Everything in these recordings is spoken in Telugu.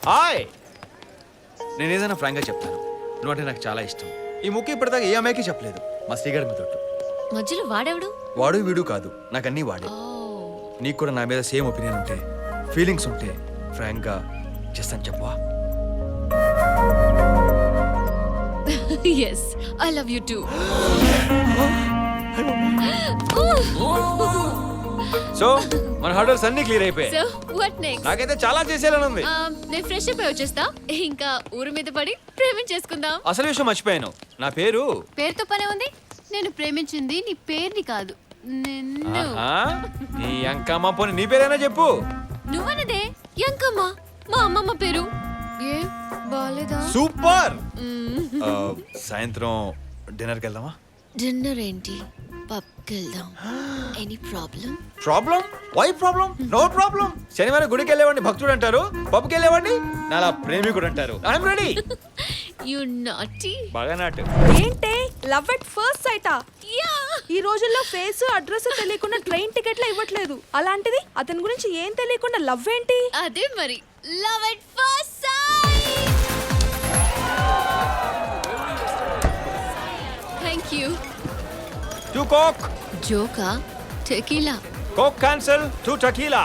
హాయ్. నేను ఏదైనా ఫ్రాంక్గా చెప్తాను, నువ్వు అంటే నాకు చాలా ఇష్టం. ఈ ముఖ్య ఇప్పటిదాకా ఏ అమ్మాయికి చెప్పలేదు. మా శ్రీగారి మీద ఒట్టు. మధ్యలో వాడెవడు? వాడు వీడు కాదు, నాకు అన్నీ వాడే. నీకు కూడా నా మీద సేమ్ ఒపీనియన్ ఉంటే, ఫీలింగ్స్ ఉంటే ఫ్రాంక్గా చేస్తాను చెప్పవా? yes I love you too. So మన హర్డల్స్ అన్ని క్లియర్ అయిపోయాయి. so what next? నాకైతే చాలా చేసేయాలని ఉంది. నేను ఫ్రెష్ అప్ అయి వచ్చేస్తా, ఇంకా ఊరు మీద పడి ప్రేమించేసుకుందాం. అసలు విషయం మర్చిపోయాను, నా పేరు. పేరుతో పనే ఉంది, నేను ప్రేమించింది నీ పేరుని కాదు నిన్ను. నీ అంకమ్మ పోనీ నీ పేరైనా చెప్పు. నువ్వన్నదే యంకమ్మ, మా అమ్మమ్మ పేరు. ఏ బాలేదా? సూపర్. సాయంత్రం డిన్నర్కి వెళ్దామా? డిన్నర్ ఏంటి, పబ్కి వెళ్దాం. Any problem? Problem? Why problem? No problem. శనివారం గుడికి వెళ్ళేవాడిని భక్తుడు అంటారు, పబ్కి వెళ్ళేవాడిని నాలా ప్రేమికుడు అంటారు. I'm ready. You naughty. బాగా నాటు. ఏంటే లవ్ ఎట్ ఫస్ట్ సైటా? యా. ఈ రోజుల్లో ఫేస్ అడ్రస్ తెలియకుండా ట్రైన్ టికెట్లు ఇవ్వట్లేదు. అలాంటిది అతని గురించి ఏం తెలియకుండా లవ్ ఏంటి? అదే మరి love at first sight. Thank you. 2 coke. జోకా? టెకీలా? Coke cancel, 2 tequila.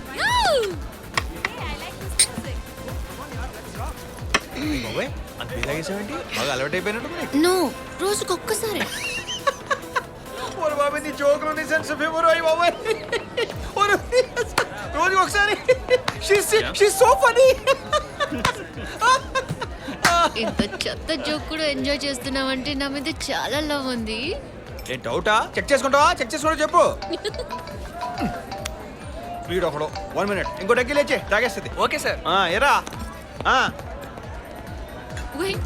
బాబాయ్ అంత ఇలాగేసావేంటి? బాగా అలవాటు అయిపోయినట్టు. నో, రోజుకొక్కసారి. ఓరు బాబాయ్ నీ జోకులు నీ సెన్స్ ఆఫ్ హ్యూమర్ అయ్యి బాబాయ్. ఓరు రోజు ఒకసారి. She's so funny. ఇంత చెత్త జోక్ కూడా ఎంజాయ్ చేస్తున్నావంటే నా మీద చాలా లవ్ ఉంది. ఏ డౌటా? చెక్ చేసుకుంటావా? చెక్ చేసుకుంటా చెప్పు. వీడు ఒకడు 1 minute ఇంకో డగ్గి లేచే తాగేస్తుంది. Okay sir. ఎరా Wait,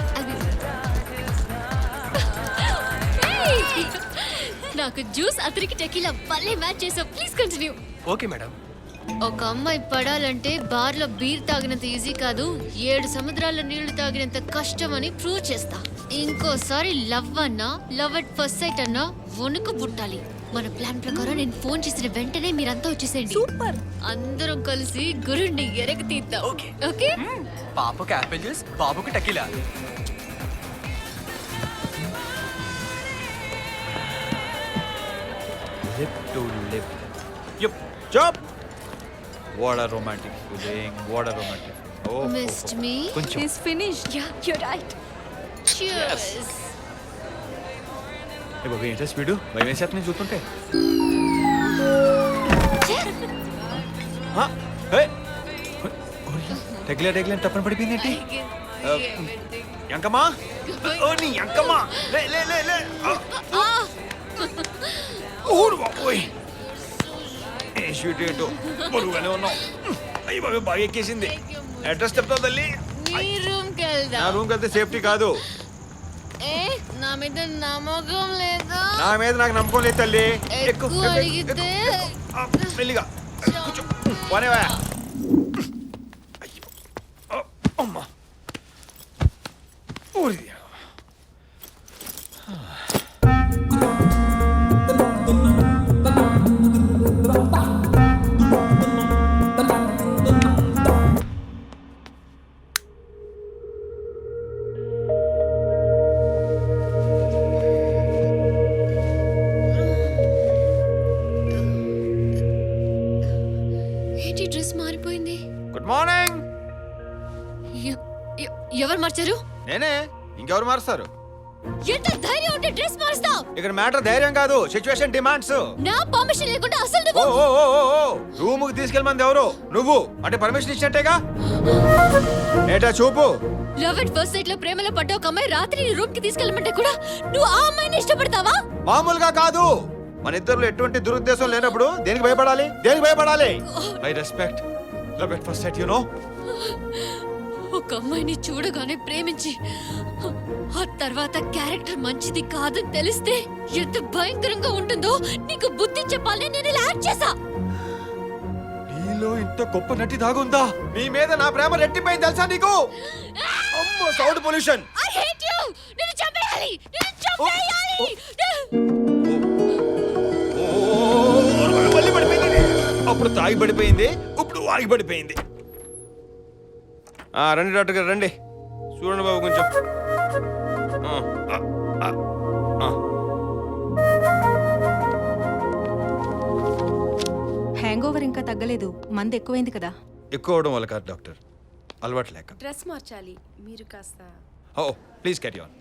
Hey! నాకు జ్యూస్ అతనికి టెకీలా భలే మ్యాచ్ చేసావు. Please continue. Okay madam. ఒక అమ్మాయి పడాలంటే బార్లో బీర్ తాగినంత ఈజీ కాదు, 7 సముద్రాల నీళ్లు తాగినంత కష్టం అని ప్రూవ్ చేస్తా. ఇంకోసారి లవ్ అన్నా, లవ్ అట్ ఫస్ట్ సైట్ అన్నా వణుకు పుట్టాలి. మన ప్లాన్ ప్రకారం నేను ఫోన్ చేసిన వెంటనే మీరంతా వచ్చేసేయండి. సూపర్. అందరం కలిసి గురుణ్ణి ఎరగ తీద్దాం. ఓకే. ఓకే. పాపకు యాపిల్ జ్యూస్, బాబుకు tequila. Lip to lip. Yup job. What a romantic feeling. What a romantic. ఓ Missed me? కొంచెం. He's finished. Yeah, you're right. Cheers. ఏ బాబు ఏంటో స్పీడు భయం వేసేస్తుంది నేను చూస్తుంటే. టెగ్లే టెగ్లే తప్పని పడిపోయింది ఏంటి? ఎంకమ్మా ఓ నీ ఎంకమ్మా లే లే లే లే. ఊరు బాబోయ్ ఏ షూట్ ఏంటో బరువుగానే ఉన్నావు. అయ్యి బాబు బాగా ఎక్కేసింది. అడ్రస్ చెప్తావు తల్లి? నీ రూమ్కి నా వెళ్దాం. రూమ్కి వెళ్తే సేఫ్టీ కాదు. ఏ నా మీద నమ్మకం లేదా? నా మీద నాకు నమ్మకం లేదు తల్లి. ఎక్కువ అడిగితే మెల్లిగా కూర్చో. పోనేవా? అయ్యో అమ్మా ఊరి. ఏంటి డ్రెస్ మారిపోయింది? Good morning. ఎవరు మార్చారు? నేనే. ఇంకెవరు మారుస్తారు? ఎంత ధైర్యం ఉంటే డ్రెస్ మారుస్తావు? ఇక్కడ మ్యాటర్ ధైర్యం కాదు, సిచ్యువేషన్ డిమాండ్స్. నా పర్మిషన్ లేకుండా అసలు ఓ నువ్వు ఓ ఓ ఓ రూమ్ కి తీసుకెళ్ళమంది ఎవరు? నువ్వు. అంటే పర్మిషన్ ఇచ్చినట్టేగా. ఏటా చూపు. లవ్ ఎట్ ఫస్ట్ సైట్ లో ప్రేమలో పడ్డ ఒక అమ్మాయి రాత్రి నీ రూమ్ కి తీసుకెళ్ళమంటే కూడా నువ్వు ఆ అమ్మాయిని ఇష్టపడతావా? మామూలుగా కాదు. మన ఇద్దరు ఎటువంటి దురుద్దేశం లేనప్పుడు దేనికి భయపడాలి? దేనికి భయపడాలి? I respect love at first sight, you know. ఒక అమ్మాయిని చూడగానే ప్రేమించి ఆ తర్వాత క్యారెక్టర్ మంచిది కాదని తెలిస్తే ఎంత భయంకరంగా ఉంటుందో నీకు బుద్ధి చెప్పాలని నేను ఇలా యాక్ట్ చేశా. నీలో ఇంత గొప్ప నటి దాగుందా? నీ మీద నా ప్రేమ రెట్టిపోయింది తెలుసా నీకు? అమ్మో sound pollution. I hate you. నిన్ను చంపేయాలి. నిన్ను చంపేయాలి. మళ్ళీ పడిపోయింది. అప్పుడు తాగి పడిపోయింది, ఇప్పుడు ఆగి పడిపోయింది. రండి డాక్టర్ గారు రండి. చూడండి బాబు కొంచెం. హ్యాంగ్ ఓవర్ ఇంకా తగ్గలేదు, మందు ఎక్కువైంది కదా. ఎక్కువ అవడం వల్ల కాదు డాక్టర్, అలవాటు లేక. డ్రెస్ మార్చాలి, మీరు కాస్త. ఓ ప్లీజ్ క్యారీ ఆన్.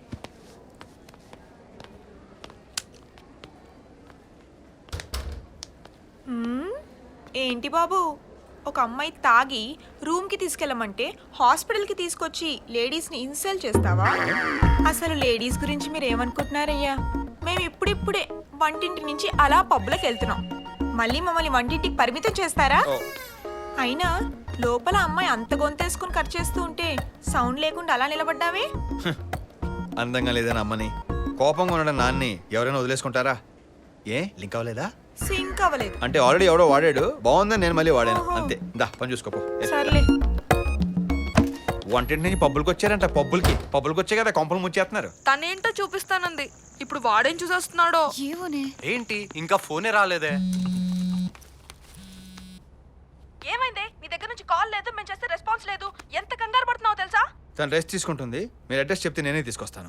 ఏంటి బాబు, ఒక అమ్మాయి తాగి రూమ్కి తీసుకెళ్ళమంటే హాస్పిటల్కి తీసుకొచ్చి లేడీస్ని ఇన్సల్ట్ చేస్తావా? అసలు లేడీస్ గురించి మీరు ఏమనుకుంటున్నారయ్యా? మేము ఇప్పుడిప్పుడే వంటింటి నుంచి అలా పబ్లోకి వెళ్తున్నాం, మళ్ళీ మమ్మల్ని వంటింటికి పరిమితం చేస్తారా? అయినా లోపల అమ్మాయి అంత గొంతేసుకుని ఖర్చు చేస్తూ ఉంటే సౌండ్ లేకుండా అలా నిలబడ్డావే? అందంగా లేదని అమ్మని, కోపంగా ఉండడం నాన్ని ఎవరైనా వదిలేసుకుంటారా? ఏ లింక్ అవ్వలేదా? సింక్ అవ్వలేదు అంటే ఆల్రెడీ ఎవడో వాడాడు, బాగుందని నేను మళ్ళీ వాడాను అంతే. దా పని చూసుకోపో. సర్లే. వంటింటి నుంచి పబ్బులకి వచ్చారంట. పబ్బులకి వచ్చే కదా కొంపలు ముంచేస్తున్నారు. తనేంటో చూపిస్తానంది, ఇప్పుడు వాడేం చూసేస్తున్నాడో. ఏమోనే. ఏంటి ఇంకా ఫోనే రాలేదే? ఏమైంది? నీ దగ్గర నుంచి కాల్ లేదు, మేము చేస్తే రెస్పాన్స్ లేదు. ఎంత కంగారు పడుతున్నావో తెలుసా? తను రెస్ట్ తీసుకుంటుంది. మీరు అడ్రస్ చెప్తే నేనే తీసుకొస్తాను.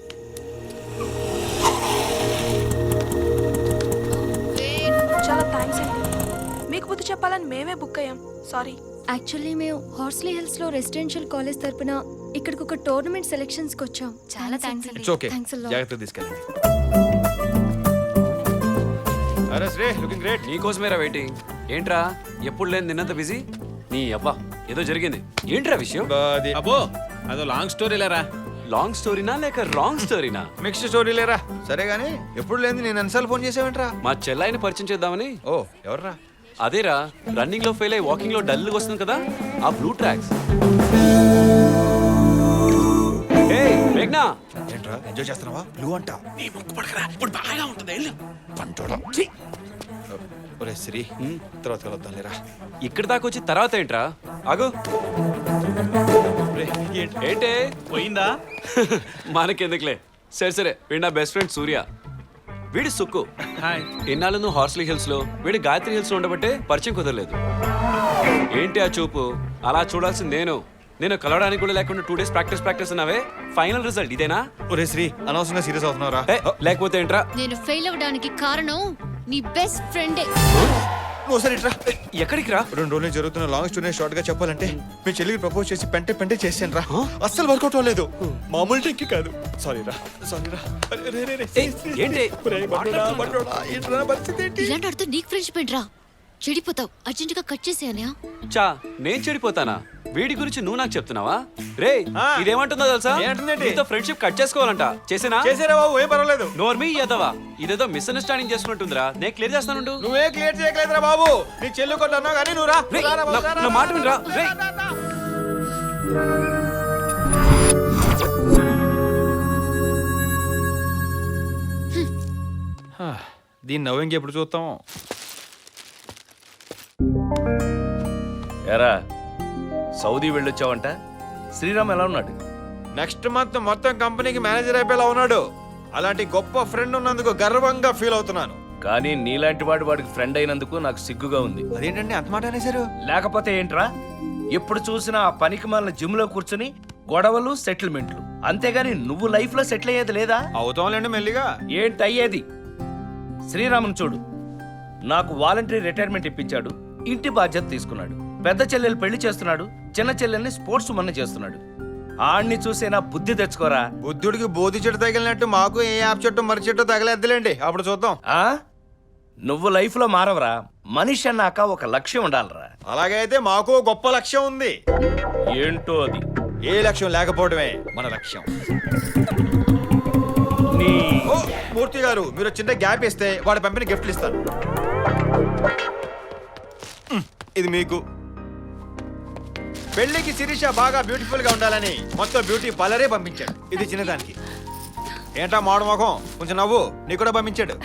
చాలా థ్యాంక్స్ అండి, మీకు బుద్ధి చెప్పాలని మేమే బుక్ అయ్యాం. సారీ. యాక్చువల్లీ మేము హార్స్లీ హిల్స్ లో రెసిడెన్షియల్ కాలేజ్ తరపున ఇక్కడికి ఒక టోర్నమెంట్ సెలెక్షన్స్ కి వచ్చాం. చాలా థ్యాంక్స్ అండి. It's okay, thanks a lot. జాగ్రత్తగా తీసుకెళ్ళండి. అరే శ్రీ, లుకింగ్ గ్రేట్. నీకోసమేరా వెయిటింగ్. ఏంట్రా ఎప్పుడు లేని నిన్నంత బిజీ? నీ అబ్బా ఏదో జరిగింది. ఏంట్రా విషయం? అబ్బో అదో లాంగ్ స్టోరీ లేరా. లాంగ్ స్టోరీనా లేక రాంగ్ స్టోరీనా? మిక్స్డ్ స్టోరీ లేరా. సరే గానీ ఎప్పుడు లేని నేను ఎన్నిసార్లు ఫోన్ చేసావేంట్రా? మా చెల్లాయిని పరిచయం చేద్దామని. ఓ ఎవర్రా? అదేరా రన్నింగ్ లో ఫెయిల్ అయ్యి వాకింగ్ లో డల్ వస్తుంది కదా, ఆ బ్లూ ట్రాక్స్. మేఘ్నా, ఏంట్రా ఎంజాయ్ చేస్తున్నావా? బ్లూ అంట. నీ ముక్కు పడకరా, ఇప్పుడు బాగా ఉంటుంది. వెళ్ళు. పంచోడా. ఒరే శ్రీ, తర్వాత కలుద్దాం లేరా. ఇక్కడి దాకా వచ్చి తర్వాత ఏంట్రా? ఆగు. ఏంటే పోయిందా? మనకెందుకులే. సరే సరే, వీడు నా బెస్ట్ ఫ్రెండ్ సూర్య, వీడి సుక్కు. హాయ్. ఇన్నాళ్ళు నువ్వు హార్స్లీ హిల్స్ లో, వీడి గాయత్రి హిల్స్ లో ఉండబట్టే పరిచయం కుదరలేదు. ఏంటి ఆ చూపు? అలా చూడాల్సింది నేను కలవడానికి కూడా లేకుండా 2 days ప్రాక్టీస్ అన్నావే, ఫైనల్ రిజల్ట్ ఇదేనా? ఒరే శ్రీ, అనవసరంగా సీరియస్ అవుతున్నావురా. లేకపోతే ఏంట్రా? నేను ఫెయిల్ అవ్వడానికి కారణం నీ బెస్ట్ ఫ్రెండే. నువ్వు సరే ఇట్రా. ఎక్కడికి రా? 2 రోజులు జరుగుతున్న లాంగ్ స్టోరీ షార్ట్ గా చెప్పాలంటే, మీ చెల్లికి ప్రపోజ్ చేసి పెంటే చేసాను రా. అస్సలు వర్కౌట్ అవ్వలేదు. మామూలు టెక్కి కాదు. సారీ రా. ఏంటి? ఇలాంటి అర్థం నీకు ఫ్రెండ్షిప్ ఏంట్రా? చెడిపోతావు. అర్జెంటుగా కట్ చేసేయనా? చా నేను చెడిపోతానా? వీడి గురించి నువ్వు నాకు చెప్తున్నావా? రే ఇదేమంటుందో తెలుసా? నీతో ఫ్రెండ్షిప్ కట్ చేసుకోవాలంట. చేసేనా? చేసేరా బాబు, ఏం పర్వాలేదు. నోర్మీ ఎదవా, ఇదేదో మిస్అండర్స్టాండింగ్ చేసుకున్నట్టుందిరా. నేను క్లియర్ చేస్తానుండు. నువ్వే క్లియర్ చేయట్లేదురా బాబు. నీ చెల్లి కొట్టు అన్నావు కానీ నువ్వు రా. రేయ్, నా మాట వినరా? రేయ్. దీన్ని నవ్వు ఇంకెప్పుడు చూస్తాం? ఎరా సౌదీ వెళ్ళొచ్చావంట. శ్రీరామ్ ఎలా ఉన్నాడు? నెక్స్ట్ మంత్ మొత్తం కంపెనీకి మేనేజర్ అయిపోయేలా ఉన్నాడు. అలాంటి గొప్ప ఫ్రెండ్ ఉన్నందుకు గర్వంగా ఫీల్ అవుతున్నాను. కానీ నీలాంటి వాడికి ఫ్రెండ్ అయినందుకు నాకు సిగ్గుగా ఉంది. అదేంటండి అంత మాట అనేసారు? లేకపోతే ఏంట్రా, ఎప్పుడు చూసినా ఆ పనికి మాలిన జిమ్ లో కూర్చుని గొడవలు సెటిల్మెంట్లు, అంతేగాని నువ్వు లైఫ్ లో సెటిల్ అయ్యేది లేదా? అవుతాంలేండి మెల్లిగా. ఏంటి అయ్యేది? శ్రీరామును చూడు, నాకు వాలంటరీ రిటైర్మెంట్ ఇప్పించాడు, ఇంటి బాధ్యత తీసుకున్నాడు, పెద్ద చెల్లెలు పెళ్లి చేస్తున్నాడు, చిన్న చెల్లెల్ని స్పోర్ట్స్ మన చేస్తున్నాడు. ఆడిని చూసేనా బుద్ధి తెచ్చుకోరా. బుద్ధుడికి బోధి చెట్టు తగిలినట్టు మాకు ఏ యాప్ చెట్టు మర్రి చెట్టు తగలేద్దులేండి, అప్పుడు చూద్దాం. ఆ నువ్వు లైఫ్ లో మారవరా. మనిషి అన్నాక ఒక లక్ష్యం ఉండాలరా. అలాగైతే మాకు గొప్ప లక్ష్యం ఉంది. ఏంటో అది? ఏ లక్ష్యం లేకపోవడమే మన లక్ష్యం. ఓ మూర్తి గారు, మీరు చిన్న గ్యాప్ ఇస్తే వాడి పంపిన గిఫ్ట్లు ఇస్తాను. ఇది మీకు. పెళ్లికి శిరీష బాగా బ్యూటిఫుల్ గా ఉండాలని మొత్తం బ్యూటీ పార్లరే పంపించాడు. ఇది చిన్నదానికి. ఏంటా మాడు ముఖం, కొంచెం నవ్వు. నీ కూడా పంపించాడు.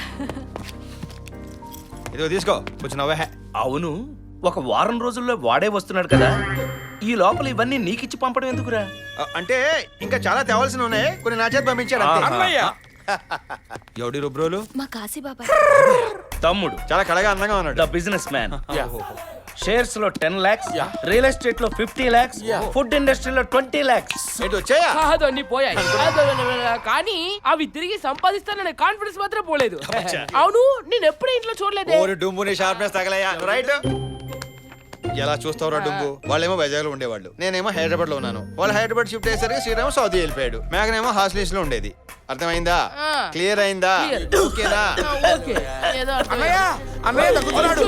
ఇదిగో తీసుకో, కొంచెం నవ్వే. అవును, ఒక వారం రోజుల్లో వాడే వస్తున్నాడు కదా, ఈ లోపల ఇవన్నీ నీకిచ్చి పంపడం ఎందుకురా? అంటే ఇంకా చాలా తేవాల్సిన ఉన్నాయి, కొన్ని నా చేతి పంపించాడు అంతే. ఎవడి రుబ్రోలు? మా కాశీ బాబాయ్ తమ్ముడు చాలా కళగా అందంగా ఉన్నాడు. The business man. షేర్స్ లో 10 lakhs, రియల్ ఎస్టేట్ లో 50 lakhs, ఫుడ్ ఇండస్ట్రీలో 20 lakhs. ఏంటి వచ్చాయా కాదు అన్ని పోయాయి కానీ అవి తిరిగి సంపాదిస్తాననే కాన్ఫిడెన్స్ మాత్రం పోలేదు. అవును నేను ఎప్పుడు ఇంట్లో చూడలేదే. ఓరి డుంబుని షార్ప్నెస్ తగలయ్యా రైట్. ఎలా చూస్తావురా డుంబు? వాళ్ళేమో వైజాగ్ లో ఉండేవాళ్ళు, నేనేమో హైదరాబాద్ లో ఉన్నాను. వాళ్ళు హైదరాబాద్ షిఫ్ట్ అయ్యేసరికి శ్రీరామ్ సౌదీ వెళ్ళిపోయాడు. మేఘనేమో హాస్టల్స్ లో ఉండేది. అర్థమైందా? క్లియర్ అయిందా? ఓకేనా? ఓకే ఏదో అర్థం. అన్నయ్య తగ్గుతున్నాడు.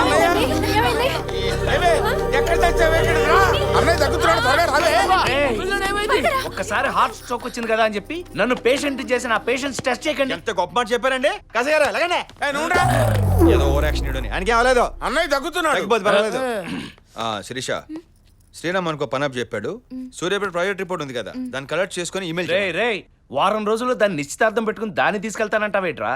అన్నయ్య తగ్గుతున్నాడు. త్వరగా రాలే. పిల్లోడు ఏమైంది? ఒక్కసారి హార్ట్ స్ట్రోక్ వచ్చింది కదా అని చెప్పి నన్ను పేషెంట్ చేసిన ఆ పేషెంట్స్ టెస్ట్ చేయకండి. ఎంత గొప్ప మాట చెప్పారండి. కసగారు ఎలాగండి ఏదో ఓవర్ యాక్షన్ ఇడని ఆయనకి అవ్వలేదు. అన్నయ్య తగ్గుతున్నాడు. తగ్గిపోతే పర్వాలేదు. శిరీష, శ్రీరామ్ అనుకో పనప్ చెప్పాడు. సూర్యాపేట ప్రాజెక్ట్ రిపోర్ట్ ఉంది కదా, దాన్ని కలెక్ట్ చేసుకుని ఈమెయిల్ రే వారం రోజుల్లో దాన్ని నిశ్చితార్థం పెట్టుకుని దాన్ని తీసుకెళ్తానంటావేట్రా?